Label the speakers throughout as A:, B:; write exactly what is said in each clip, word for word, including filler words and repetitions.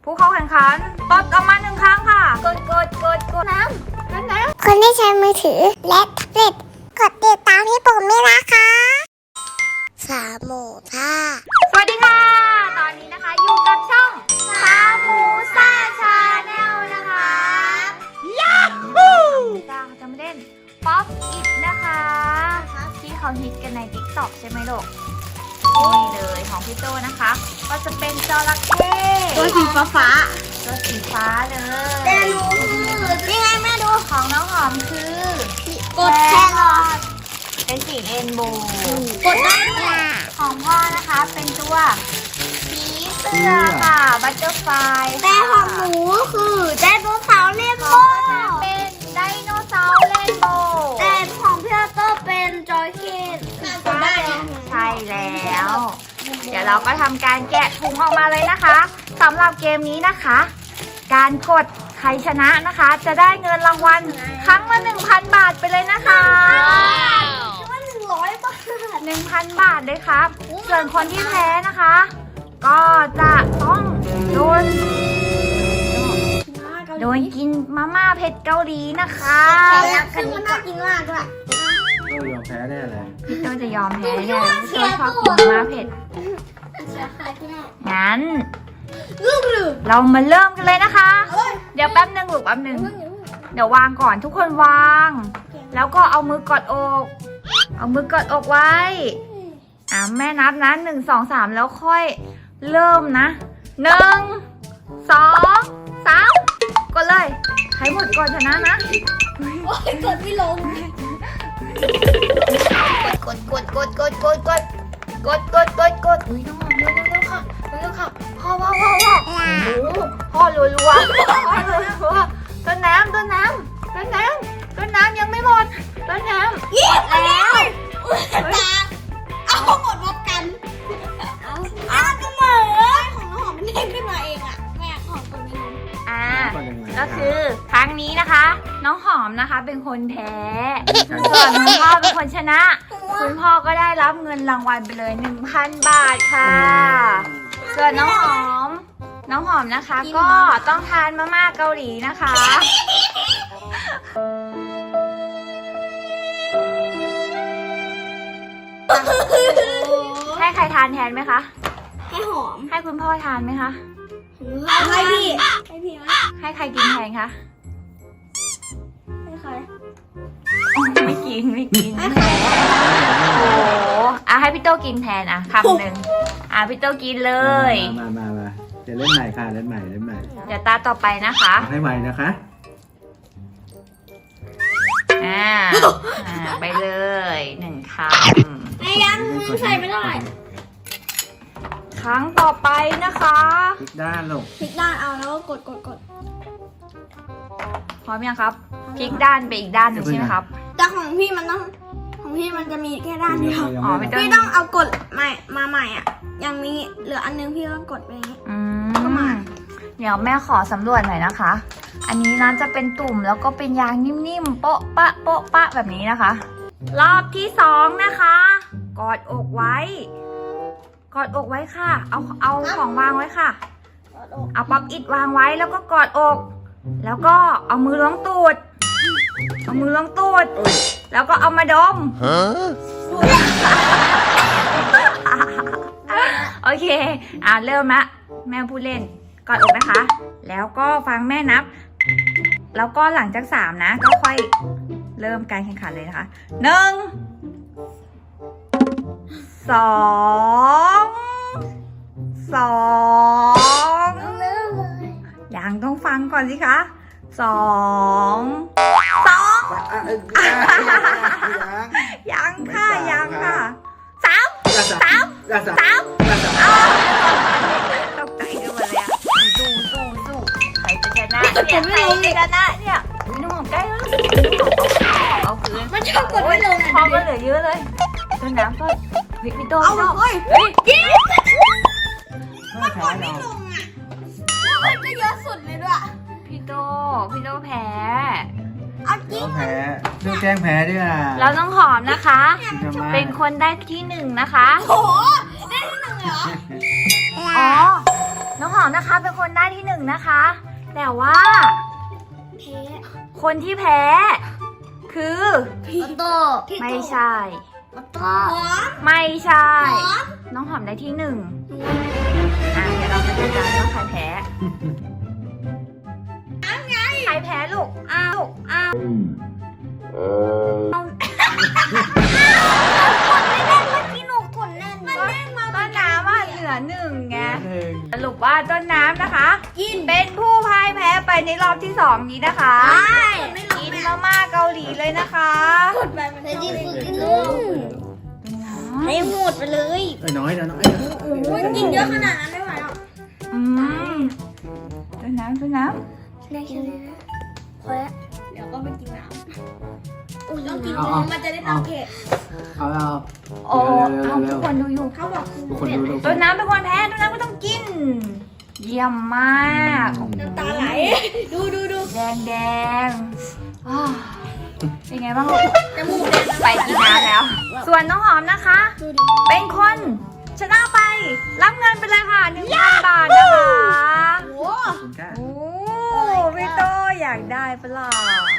A: ผู้เข้าแข่งขันตดออกมาหนึ่งครั้งค่ะกดกดกดกดน้ำน้ำน้ำ
B: คนที่ใช้มือถือและแท็บเล็ตกดติดตามที่ปุ่มนี้นะคะสามหมูท่า
A: สวัสดีค่ะตอนนี้นะคะอยู่กับช่องสามหมูซ่าชาแนลนะคะยาฮูจ้าจะมาเล่นป๊อปอิทนะคะที่เขาฮิตกันใน ติ๊กต็อก ใช่ไหมลูกนี่เลยของพี่โตนะคะ ก็จะเป็นจระเข้
B: ตัวสีฟ้าฟ้า
A: ตัวสีฟ้าเลย
B: แต่หนูคือนี่ไงแม่ดู
A: ของน้องหอมคือก
B: ดแครอท
A: เป็นสีเรนโบว์
B: กดได้ด้วย
A: ของพ่อนะคะเป็นตัวผีเสื้อค่ะบัตเตอร์ไฟ
B: แต่ของหนูคือไดโนเสาร์เรนโบว์
A: เป็นไดโนเสาร์เรนโบว์
B: แต่ของพี่โตเป็นจอยเคนได้
A: ใช่แล้ว เดี๋ยวเราก็ทำการแกะถุงออกมาเลยนะคะสำหรับเกมนี้นะคะ การกดใครชนะนะคะ จะได้เงินรางวัลครั้งละ หนึ่งพัน บาทไปเลยนะคะ
B: ว่าหนึ่งร้อยบาท
A: หนึ่งพัน บาทเลยครับส่วนคนที่แพ้นะคะ ก็จะต้องโดนโดนกินมาม่าเผ็ดเกาหลีนะคะ
B: ซึ่งมันน่ากินมากด้วย
C: ก็ยอมแพ้แน่เลย
A: พี่โตจะยอมแพ้แน่พี่โตชอบกินมาม่าเผ็ดงั้นเรามาเริ่มกันเลยนะคะ เดี๋ยวแป๊บนึงลูกแป๊บนึงเดี๋ยววางก่อนทุกคนวาง แล้วก็เอามือกดอก เอามือกดอกไว้อ่ะแม่นับนะหนึ่งสองสามแล้วค่อยเริ่มนะหนึ่งสองสามกดเลยใครหมดก่อนชนะนะ
B: โอ้ยกดไม่ลง
A: กดกดกดกดกดกดกดกดกดกดอุ้ยน้องหอมเร็วเร็วค่ะเร็วค่ะพ่อพ่อพ่อพ่อพ่อรัวรัวพ่อรัวรัวต้นน้ำต้นน้ำต้นน้ำต้นน้ำยังไม่หมดต้นน้ำ
B: หมดแล้วตาเอาหมดพร้อมกันเอาเอาก็เหมือนของน้องหอมมันเด้งขึ้นมาเองอ่ะแม่ของตัวนี้
A: อ่าก็คือครั้งนี้นะคะ น้องหอมนะคะเป็นคนแพ้ส่วนคุณพ่อเป็นคนชนะคุณพ่อก็ได้รับเงินรางวัลไปเลย หนึ่งพัน บาทค่ะส่วนน้องหอมน้องหอมนะคะก็ต้องทานมาม่าเกาหลีนะคะให้ใครทานแทนไหมคะ
B: ให้หอม
A: ให้คุณพ่อทานไหมคะ
B: ให้พี่ให้พี่ไหม
A: ให้ใครกินแทนคะ
B: ให้ใคร
A: ไม่กินไม่กินแทนโอ้อ่ะให้พี่โตกินแทนอ่ะคำหนึ่งอ่ะพี่โตกินเลย
C: มามามาจะเล่นใหม่ค่ะเล่นใหม่เล่นใหม่
A: เดี๋ยวตาต่อไปนะคะ
C: ให้ใหม่นะคะ
A: อ่าอ่าไปเลยหนึ่งค
B: ำไอ้ยังมือใส่ไม่ได้
A: ครั้งต่อไปนะคะ
C: พลิกด้านลง
B: พลิกด้านเอาแล้วกดกดกด
A: พร้อมยังครับพลิกด้านไปอีกด้านหนึ่งใช่ไหมครับ
B: แต่ของพี่มันต้องของพี่มันจะมีแค่ด้านเดียว
A: อ๋อ
B: พี่ต้องเอากดใหม่มาใหม่อ่ะยังมีเหลืออันนึงพี่ก็กดไปอย่างนี้
A: อืมเดี๋ยวแม่ขอสำรวจหน่อยนะคะ อันนี้นะจะเป็นตุ่มแล้วก็เป็นยางนิ่มๆโป๊ะปะโป๊ะปะแบบนี้นะคะรอบที่สองนะคะกอดอกไว้กอดอกไว้ค่ะเอาเอาของวางไว้ค่ะเอาป๊อปอิทวางไว้แล้วก็กอดอกแล้วก็เอามือล้วงตูดเอามือล้วงตูดแล้วก็เอามาดมโอเคอ่ะเริ่มละแม่พูดเล่นกอดอกนะคะแล้วก็ฟังแม่นับแล้วก็หลังจากสามนะก็ค่อยเริ่มการแข่งขันเลยนะคะหนึ่งสองสองยังต้องฟังก่อนสิคะสองสองยังค่ะยังค่ะสามสามสามตกใจกันหมดเลยอะสู้สู้สู้ใครจะชนะเนี่ยใครจะชนะเนี่ยนุ่มใกล้แล้วเอาคืน
B: มันชอบกดไม่ลงอ่ะ
A: พอมันเหลือเยอะเลยต้นน้ำก็เฮ้ยพี่โต
B: เอาเฮ้ยเฮ้ยกินมันกดไม่ลงอ่ะมันจะเยอะสุดเลยด้วย
A: พี่โตพี่โตแพ้
B: เอาจริง
C: แพ้เรื่องแจ้งแพ้ด้วยอ่ะ
A: แล้วน้องหอมนะคะเป็นคนได้ที่หนึ่งนะคะ
B: โอ้โหได้ที่หนึ่งเหรอ
A: อ๋อน้องหอมนะคะเป็นคนได้ที่หนึ่งนะคะ แต่ว่า
B: แพ้
A: คนที่แพ้ คือ
B: พี่โต
A: ไม่ใช่
B: มาต่อ
A: ไม่ใช่
B: หอม
A: น้องหอมได้ที่หนึ่งอ่ะเดี๋ยวเรามาดูกันว่าใครแพ้ใครแพ้ลูกอ้าวลูกอ้าวพี่หนูขนแน่นมันแน่นมาต้นน้ำว่าเหลือหนึ่งไง
C: หนึ่ง
A: สรุปว่าต้นน้ำนะคะ
B: กิน
A: เป็นผู้พ่ายแพ้ไปในรอบที่สองนี้นะคะ
B: ใช่
A: กินมาม่าเกาหลีเลยนะคะ
B: หมดไปมันจะยิ่งฝึกกินลูกให้หมดไปเลย
C: เอ้ยน้อยนะน้อย
B: โอ้ยกินเยอะขนาดนั้นไม่ไหวหรอก
A: อืมต้นน้ำต้นน้
B: ได้แค่นี้นะพอแล้วเดี๋ยวก็ไปกินน้ำอุ้ยต้องกินน้ำมันจะได้น้ำเผ็ด
C: เอาเอา
A: ำโอ้เอาทุกคนดูอยู่
B: เขาบอกคือ
C: ทุกคนดูดู
A: ต้นน้ำเป็นคนแพ้ต้นน้ำก็ต้องกิน เยี่ยมมาก
B: น้ำตาไหล ดูดูดู
A: แดงแดงอ้าวเป็นไงบ้างลูก
B: จมูกแดง
A: ไปกินน้ำแล้ว ส่วนน้องหอมนะคะ
B: ดูดิ
A: เป็นคนชนะไป รับเงินไปเลยค่ะหนึ่งพันบาทนะคะ
B: โอ้
C: ขอบคุณค่ะ
A: โอ้พี่โตอยากได้ปะล่ะ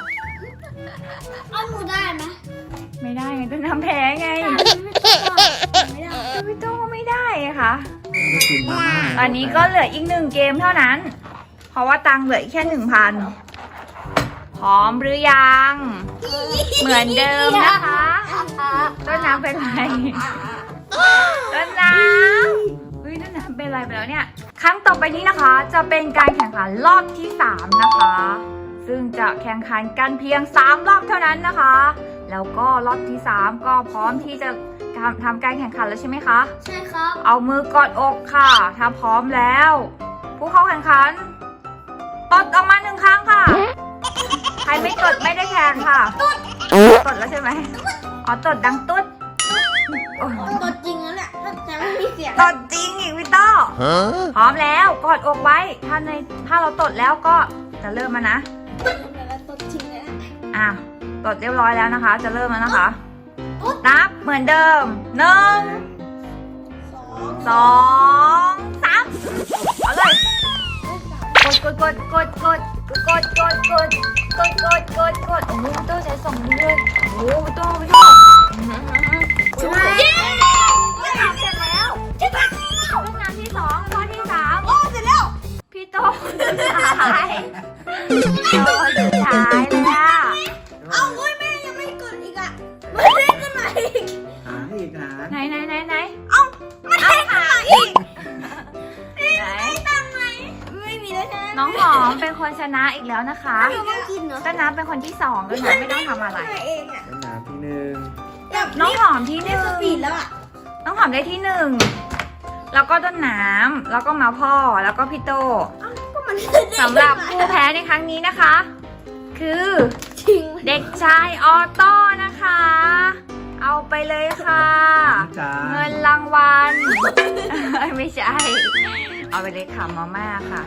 B: เอาหนูได้ไหม
A: ไม่ได้ไงต้นน้ำแพ้ไง
B: ไม่ได้
A: แต่พี่โตก็ไม่ได้อะค่ะ
C: แล้วก็กินมาม่า
A: ตอนนี้ก็เหลืออีกหนึ่งเกมเท่านั้น เพราะว่าตังค์เหลืออีกแค่หนึ่งพันพร้อมหรือยัง เหมือนเดิมนะคะต้นน้ำเป็นไรต้นน้ำเฮ้ยต้นน้ำเป็นไรไปแล้วเนี่ย ครั้งต่อไปนี้นะคะ จะเป็นการแข่งขันรอบที่สามนะคะ ซึ่งจะแข่งขันกันเพียงสามรอบเท่านั้นนะคะ แล้วก็รอบที่สามก็พร้อมที่จะทำการแข่งขันแล้วใช่ไหมคะ
B: ใช่ครับ
A: เอามือกอดอกค่ะถ้าพร้อมแล้ว ผู้เข้าแข่งขันตดออกมาหนึ่งครั้งค่ะ ใครไม่ตดไม่ได้แข่งค่ะตดแล้วใช่ไหมอ๋อตดดังตุ๊ดโอ้ย
B: ตัวจริงแล้วแหละแต่ไม่มีเสียง
A: ตดจริงอีกวิโต้พร้อมแล้วกอดอกไว้ ถ้าในถ้าเราตดแล้วก็จะเริ่มมานะ
B: ตัวจริงเลยนะ
A: อ่ะตดเรียบร้อยแล้วนะคะ จะเริ่มแล้วนะคะ นับเหมือนเดิมหนึ่ง
B: สอง
A: สองสามเอาเลย กดกดกดกดกดกดกดกดกดกดกดโอ้โหพี่โต้ใช้สองมือเลยโอ้โหพี่โต้พี่โต้
B: ใช่ไหม
A: จะทำเสร็จแล้วจะทำเรื่องน้ำที่สองข้อที่สาม
B: โอ้เสร็จแล้ว
A: พี่โต้สุดท้ายพี่โต้สุดท้ายเลยอะ
B: เอาเว้ยแม่ยังไม่กดอีกอ่ะไม่ได้ขึ้นมาอีก
C: หาอีกหา
A: ไหนไหนไหนไหน
B: เอาไม่ได้ขึ้นมาอีก
A: ไหน
B: ตั้งไหมไม่มีแล้วใช่ไหม
A: น้องหอมเป็นคนชนะอีกแล้วนะคะ
B: เราต้องกินเนาะ
A: ต้นน้ำเป็นคนที่สองต้นน้ำไม่ต้องทำอะไร
B: เองอ่ะ
C: เป็นน้ำที่หนึ่ง
A: น้องหอมที่ห
B: ได้
A: นึ่ง
B: สปีดแล้วอ่ะ
A: น้องหอมได้ที่หนึ่งแล้วก็ต้นน้ำแล้วก็มาพ่อแล้วก็พี่โต
B: ก็มัน
A: สำหรับผู้แพ้ในครั้งนี้นะคะ คือ
B: จริง
A: เด็กชายออโต้นะคะ เอาไปเลยค่ะ
C: จ้า
A: เงินรางวัล ไม่ใช่ เอาไปเลยค่ะมาม่าค่ะ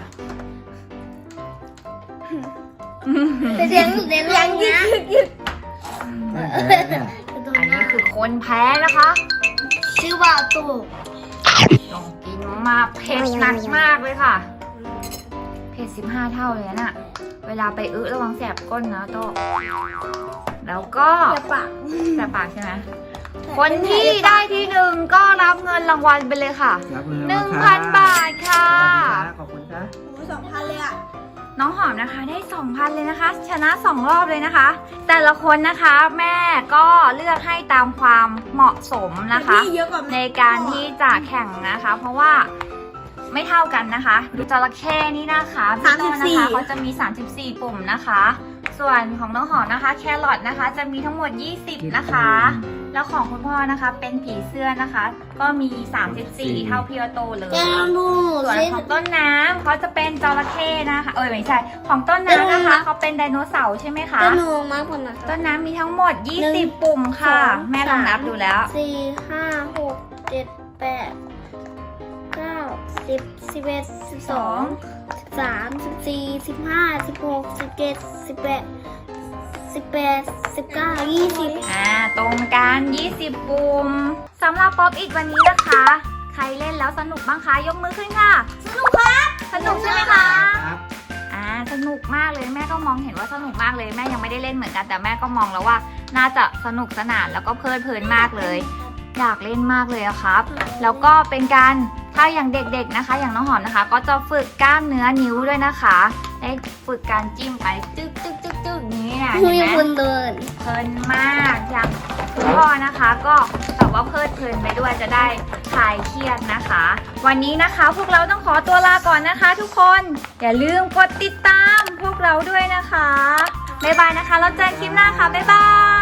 B: เสียงเสียงยังยึกยึกยึก
C: แพ้เนี่ย
A: อันนี้คือคนแพ้นะคะ
B: ชื่อว่าตู่
A: ต้องกินมาเผ็ดหนักมากเลยค่ะ เผ็ดสิบห้าเท่าเลยน่ะ เวลาไปอึระวังแสบก้นนะโตะแล้วก็
B: อย่าปาก
A: แสบปากใช่ไหม คนที่ได้ที่หนึ่งก็รับเงินรางวัลไปเลยค่ะ
C: รับมือ
A: หนึ่งพันบาทค่ะ
C: ขอบคุณค่ะ
B: โอ้สองพันเลยอ่ะ
A: น้องหอมนะคะได้สองพันเลยนะคะ ชนะสองรอบเลยนะคะ แต่ละคนนะคะแม่ก็เลือกให้ตามความเหมาะสมนะคะ
B: เยอะกว่า
A: ในการที่จะแข่งนะคะ เพราะว่าไม่เท่ากันนะคะดูจระเข้นี่นะคะพี่โต้นะคะเขาจะมีสามสิบสี่ปุ่มนะคะ ส่วนของน้องหอมนะคะ แครอทนะคะ จะมีทั้งหมดยี่สิบนะคะ แล้วของคุณพ่อนะคะเป็นผีเสื้อนะคะ ก็มีสามสิบสี่เท่าพี่โตเลย
B: แกลองดู
A: ส่วน
B: สิ
A: ของต้นน้ำเขาจะเป็นจระเข้นะคะ เอ้ยไม่ใช่ ของต้นน้ำนะคะเขาเป็นไดโนเสาร์ใช่ไหมคะ
B: จะหนูมากกว่านั้น
A: ต้นน้ำมีทั้งหมดยี่สิบปุ่มค่ะ แม่ลองนับดูแล้ว
B: สี่ห้าหกเจ็ดแปดเก้าสิบสิบเอ็ดสิบสองสิบสามสิบสี่สิบห้าสิบหกสิบเจ็ดสิบแปดสิบแปดสิบเก้ายี่สิบ
A: อ่าตรงกันยี่สิบปุ่มสำหรับป๊อปอิทวันนี้นะคะ ใครเล่นแล้วสนุกบ้างคะยกมือขึ้นค่ะ
B: สนุกครับ
A: สนุกใช่ไหมคะ
C: ครับ
A: อ่าสนุกมากเลยแม่ก็มองเห็นว่าสนุกมากเลยแม่ยังไม่ได้เล่นเหมือนกันแต่แม่ก็มองแล้วว่าน่าจะสนุกสนานแล้วก็เพลิดเพลินมากเลย อยากเล่นมากเลยอะครับ แล้วก็เป็นการถ้าอย่างเด็กๆนะคะ อย่างน้องหอมนะคะ ก็จะฝึกกล้ามเนื้อนิ้วด้วยนะคะได้ฝึกการจิ้มไปจึ๊กจึ๊กจึ๊กจึ๊กนี้เนี่ย
B: มี
A: เห็นไห
B: ค
A: ม
B: นเดิน
A: เพลินมากอย่างคุณพ่อนะคะ ก็แบบว่าเพลิดเพลินไปด้วยจะได้คลายเครียดนะคะ วันนี้นะคะพวกเราต้องขอตัวลาก่อนนะคะ ทุกคนอย่าลืมกดติดตามพวกเราด้วยนะคะบ๊ายบายนะคะแล้วเจอกันคลิปหน้าค่ะบ๊ายบาย